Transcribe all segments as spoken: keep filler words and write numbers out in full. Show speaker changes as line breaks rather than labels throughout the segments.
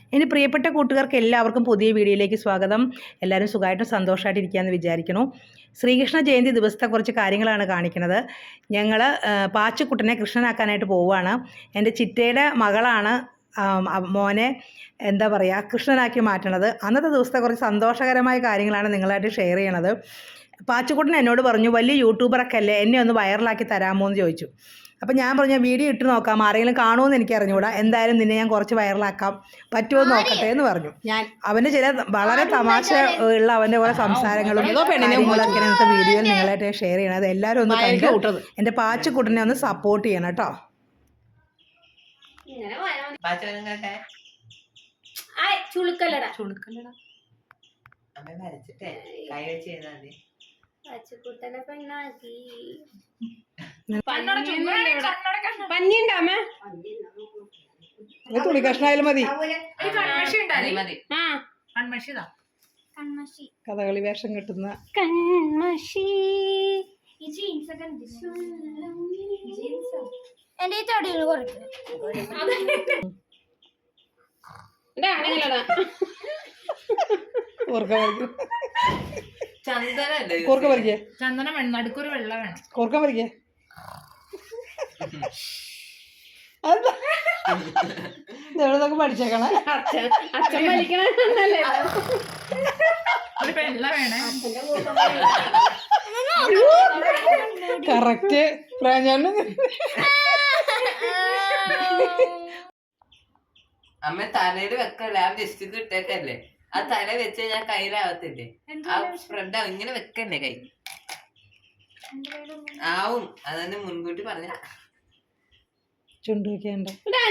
ഇനി പ്രിയപ്പെട്ട കൂട്ടുകാർക്ക് എല്ലാവർക്കും പുതിയ വീഡിയോയിലേക്ക് സ്വാഗതം. എല്ലാവരും സുഖമായിട്ടും സന്തോഷമായിട്ട് ഇരിക്കുകയെന്ന് വിചാരിക്കുന്നു. ശ്രീകൃഷ്ണ ജയന്തി ദിവസത്തെ കുറച്ച് കാര്യങ്ങളാണ് കാണിക്കുന്നത്. ഞങ്ങൾ പാച്ചുക്കുട്ടനെ കൃഷ്ണനാക്കാനായിട്ട് പോവുകയാണ്. എൻ്റെ ചിറ്റയുടെ മകളാണ് മോനെ എന്താ പറയുക കൃഷ്ണനാക്കി മാറ്റണത്. അന്നത്തെ ദിവസത്തെ കുറച്ച് സന്തോഷകരമായ കാര്യങ്ങളാണ് നിങ്ങളായിട്ട് ഷെയർ ചെയ്യണത്. പാച്ചുക്കുട്ടൻ എന്നോട് പറഞ്ഞു, വലിയ യൂട്യൂബറൊക്കെ അല്ലേ, എന്നെ ഒന്ന് വൈറലാക്കി തരാമോ എന്ന് ചോദിച്ചു. അപ്പം ഞാൻ പറഞ്ഞു, വീഡിയോ ഇട്ട് നോക്കാം, ആരെങ്കിലും കാണുമെന്ന് എനിക്ക് അറിഞ്ഞുകൂടാ, എന്തായാലും നിന്നെ ഞാൻ കുറച്ച് വൈറലാക്കാം, പറ്റുമോ എന്ന് നോക്കട്ടെ എന്ന് പറഞ്ഞു. ഞാൻ അവൻ്റെ ചില വളരെ തമാശ ഉള്ള അവൻ്റെ കുറേ സംസാരങ്ങളും കാര്യങ്ങളൊക്കെ ഇന്നത്തെ വീഡിയോയിൽ നിങ്ങളായിട്ട് ഷെയർ ചെയ്യണം. അത് എല്ലാവരും ഒന്ന് കണ്ടു എൻ്റെ പാച്ചുക്കുട്ടനെ ഒന്ന് സപ്പോർട്ട് ചെയ്യണം കേട്ടോ.
ചുളുക്കല്ലടാ
ചുളുക്കല്ലടാ അമ്മ വരച്ചിട്ടേ കൈ വെച്ച് ചെയ്താൽ മതി.
പച്ചക്കുട്ടനെ പെണ്ണാക്കി
തുണി കഷ്ണായാലും മതി. കഥകളി വേഷം കിട്ടുന്ന
കൺമഷി എന്റെ തടിയിൽ കുറയ്ക്കും.
കൂർക്ക പറിക്കേ,
ചന്ദനം വേണം, നടുക്കൊരു വെള്ള വേണം.
കൂർക്ക പറിക്കേ. എവിടെന്നൊക്കെ പഠിച്ചേക്കണേ.
അച്ഛൻ വലിക്കണേ
ഒരു വെള്ള വേണേ.
കറക്റ്റ് പ്രാഞ്ചാണ്.
അമ്മ തലയില് വെക്കല്ലേ, ആ ഡിസ്റ്റിക്ക് ഇട്ടേക്കല്ലേ, ആ തല വെച്ച് ഞാൻ കയ്യിലാവത്തില്ലേ, ആ സ്പ്രെഡ് ആവും. ഇങ്ങനെ വെക്കല്ലേ കൈ ആവും. അതന്നെ മുൻകൂട്ടി പറഞ്ഞ.
ചുണ്ട് വെക്കണ്ട.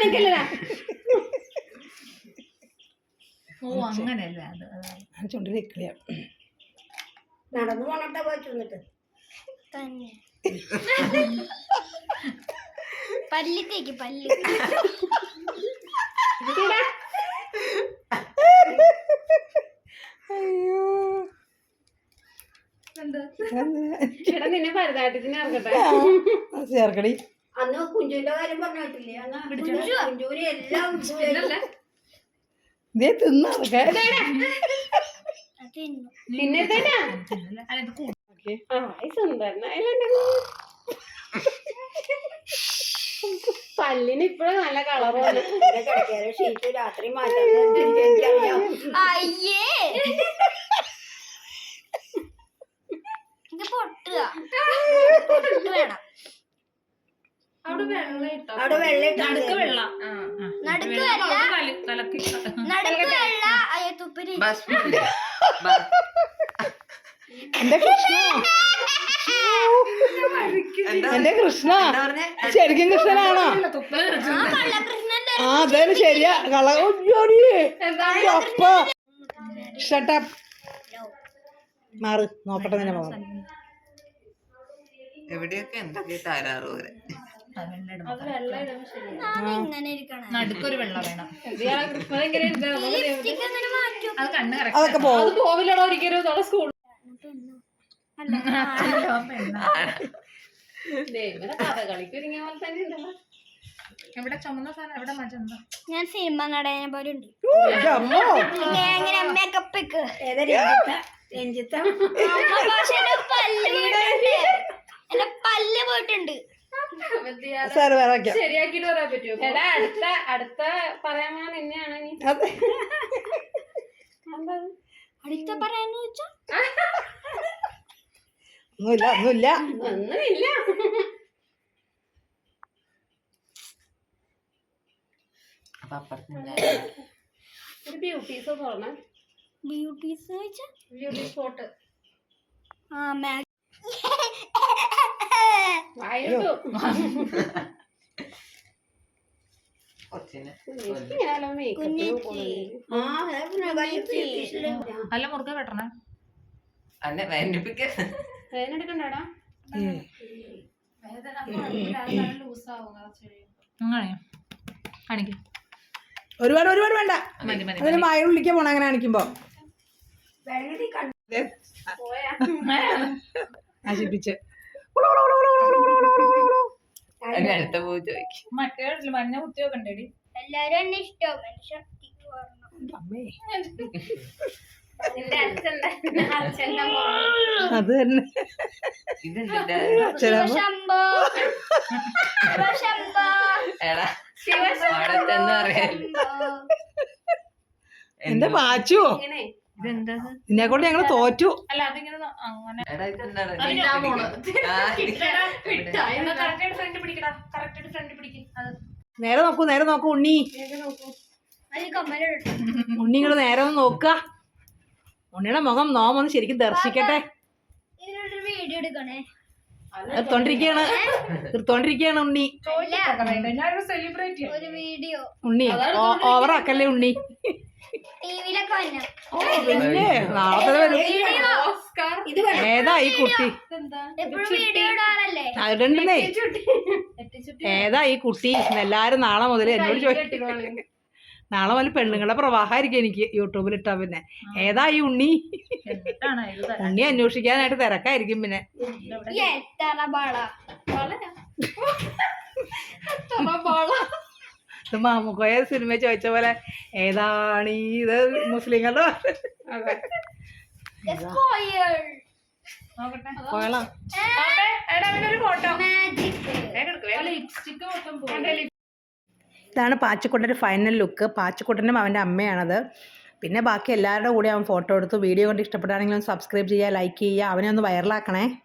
ഓ അങ്ങനെയല്ല, അത്
ചുണ്ടിൽ വെക്കില്ല.
നടന്നു പോണട്ടെ പോയിട്ട് തന്നെ പല്ലിത്തേക്ക് പല്ല് നിന്നെ ഭരതനാട്യത്തിന്
ചേർക്കടി.
അന്ന് കുഞ്ചുവിന്റെ കാര്യം പറഞ്ഞിട്ടില്ലേ, കുഞ്ചുവിന് എല്ലാം
ഇതേ തിന്നൊക്കെ
പല്ലിന് ഇപ്പഴും നല്ല കളറാണ്. ഷീറ്റ് രാത്രി മാറ്റാൻ അയ്യേ പൊട്ടുക വേണം. അവിടെ വെള്ളം അവിടെ വെള്ളം നടുക്ക് വെള്ളം നടുക്ക് നടുക്ക് വെള്ള തുപ്പിന്.
എന്റെ കൃഷ്ണ, എന്റെ കൃഷ്ണ ശരിക്കും കൃഷ്ണനാണോ? ആ അതാണ് ശരിയാ. കള ഷട്ടപ്പ് മാറ് നോക്കട്ടെ നിന്നെ പോകാം.
എവിടെയൊക്കെ എന്തൊക്കെ താരാറ് പോലെ
നടുക്കൊരു വെള്ളം വേണം.
അതൊക്കെ
പോവില്ലടോ ഒരിക്കലും സ്കൂൾ
എവിടെ ചുമന്ന സാധനം, എവിടെ മജന്ത.
ഞാൻ സിനിമ നടനെ പോലെ ഉണ്ട്. എന്റെ പല്ല് പോയിട്ടുണ്ട്. ശരിയാക്കിട്ട് പറയാൻ പറ്റുമോ? എടാ അടുത്ത അടുത്ത പറയാൻ നിന്നെയാണ് നീ അടുത്ത പറയാന്ന് വെച്ചാ
ഒന്നുമില്ല ഒന്നുമില്ല
ഒന്നുമില്ല. ഒരു ബ്യൂട്ടീസ് തുറന്ന ബ്യൂട്ടീസ് വെച്ചാ ബ്യൂട്ടി സ്പോട്ട്. ആ മാ
നല്ല മുറുക വെട്ടണേ. അല്ല വേദനിപ്പിക്ക
വേദനെടുക്കണ്ടാടാ.
കാണിക്ക
ഒരുപാട് ഒരുപാട് വേണ്ട. അതിന് മായ ഉള്ളിക്കാൻ പോണ അങ്ങനെ കാണിക്കുമ്പോ നശിപ്പിച്ച്
അടുത്ത പോയി ചോദിക്കും. മറ്റേ മഞ്ഞ കുത്തിയൊക്കെ ഉണ്ടേടി.
എല്ലാരും എന്നെ ഇഷ്ടം.
അമ്മേ
എന്റെ അച്ഛൻ അച്ഛൻ്റെ മോള്.
അത് തന്നെ
ഇതെന്തിന്റെ
അച്ഛനമ്മ
ശിവശംഭോ ശിവശംഭോ
എടാ
ശിവശംഭോ
അവിടത്തെന്ന് പറയാ
എന്റെ പാച്ചു
ഇതെന്താ
നിന്നെ കൊണ്ട് ഞങ്ങള് തോറ്റു.
അല്ല അതിങ്ങനെ ന- അങ്ങനെ
എടാ ഇതെന്താണ്
അതിന്റെ ആ മോള്.
ആ, ഇത്
എന്നാ correct ആയിട്ട് front പിടിക്കടാ. correct ആയിട്ട് front പിടിക്ക്. അത്
നേരെ നോക്കൂ നേരെ നോക്കൂ ഉണ്ണി.
അത് കമ്മലിട്ടു.
ഉണ്ണി ഇങ്ങോട്ട് നേരെ ഒന്ന് നോക്ക. ഉണ്ണിയുടെ മുഖം നോമൊന്ന് ശരിക്കും ദർശിക്കട്ടെ.
ഇതിനൊരു വീഡിയോ എടുക്കണേ.
എടുത്തോണ്ടിരിക്കയാണ് എടുത്തോണ്ടിരിക്കയാണ് ഉണ്ണി.
ചോദിക്കൊക്കെ വേണ്ട. ഞാനൊരു സെലിബ്രേറ്റ് ചെയ്യാം.
ഒരു വീഡിയോ
ഉണ്ണി ഓവറാക്കല്ലേ ഉണ്ണി.
ടിവിയിലൊക്കെ വന്ന
ഓ പിന്നെ നാളെ വരും.
ഓസ്കാർ
ഇത്
ഏതാ ഈ കുട്ടി?
ഇതെന്താ?
എപ്പോഴും വീഡിയോ ഇടാറല്ലേ?
അതുണ്ടെന്നേ
എത്തിച്ചുട്ടി
ഏതാ ഈ കുട്ടി? എല്ലാരും നാളെ മുതൽ എന്നോട് ചോദിക്കും.
കെട്ടിക്കോളി.
നാളെ മുതൽ പെണ്ണുങ്ങളുടെ പ്രവാഹമായിരിക്കും എനിക്ക് യൂട്യൂബിൽ ഇട്ടാ. പിന്നെ ഏതാ ഈ ഉണ്ണി?
എന്നിട്ടാണ് ഇത് തരാൻ.
ഉണ്ണി അന്വേഷിക്കാനായിട്ട് തിരക്കായിരിക്കും. പിന്നെ
ഈ എത്ര ബാള
വളരാ.
ഇത് മാമുക്കോയ സിനിമ ചോദിച്ച പോലെ ഏതാണ് ഈ ഇത് മുസ്ലിങ്ങളുടെ
അതെ.
സ്കോയർ
നോക്കട്ടെ.
കോയളാ.
ആപ്പേ, എടാ അവനൊരു ഫോട്ടോ.
മാജിക്
വേഗം എടുക്ക്, വേഗം. ലിപ്സ്റ്റിക് മൊത്തം പോകും.
ഇതാണ് പാച്ചിക്കുട്ടൻ്റെ ഫൈനൽ ലുക്ക്. പാച്ചിക്കുട്ടനും അവൻ്റെ അമ്മയാണത്. പിന്നെ ബാക്കി എല്ലാവരുടെ കൂടെ അവൻ ഫോട്ടോ എടുത്തു. വീഡിയോ കണ്ട് ഇഷ്ടപ്പെട്ടാണെങ്കിലും സബ്സ്ക്രൈബ് ചെയ്യുക, ലൈക്ക് ചെയ്യുക, അവനെ ഒന്ന് വൈറലാക്കണേ.